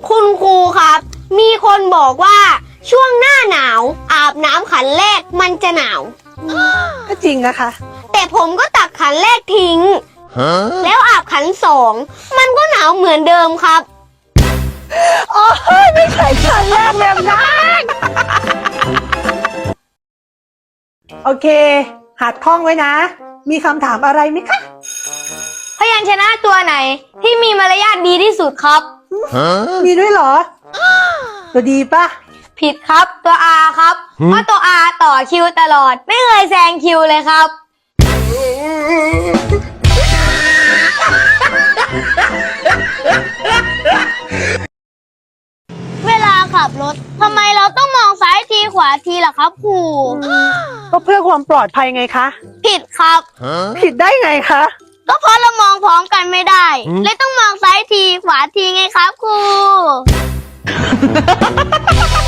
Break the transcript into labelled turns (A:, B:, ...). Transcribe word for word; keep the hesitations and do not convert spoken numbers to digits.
A: คุณครูครับ มีคนบอกว่าช่วงหน้าหนาวอาบน้ำขันแรกมันจะหนาว
B: ก็จริงนะคะ
A: แต่ผมก็ตักขันแรกทิ้ง แล้วอาบขันสองมันก็หนาวเหมือนเดิมครับ
B: โอ้ยไม่ใช่ขันแรกแบบนั้นโอเค หัดท่องไว้นะ มีคำถามอะไรไหมคะ
A: พยัญชนะตัวไหนที่มีมารยาทดีที่สุดครับ
B: มีด้วยเหรอ ตัวดีปะ
A: ผิดครับตัว R ครับ เพราะตัว R ต่อคิวตลอด ไม่เคยแซงคิวเลยครับ เวลาขับรถทำไมเราต้องมองซ้ายทีขวาทีล่ะครับครู
B: ก็เพื่อความปลอดภัยไงคะ
A: ผิดครับ
B: ผิดได้ไงคะ
A: ก็เพราะเรามองพร้อมกันไม่ได้ เลยต้องมองซ้ายทีขวาทีไงครับครู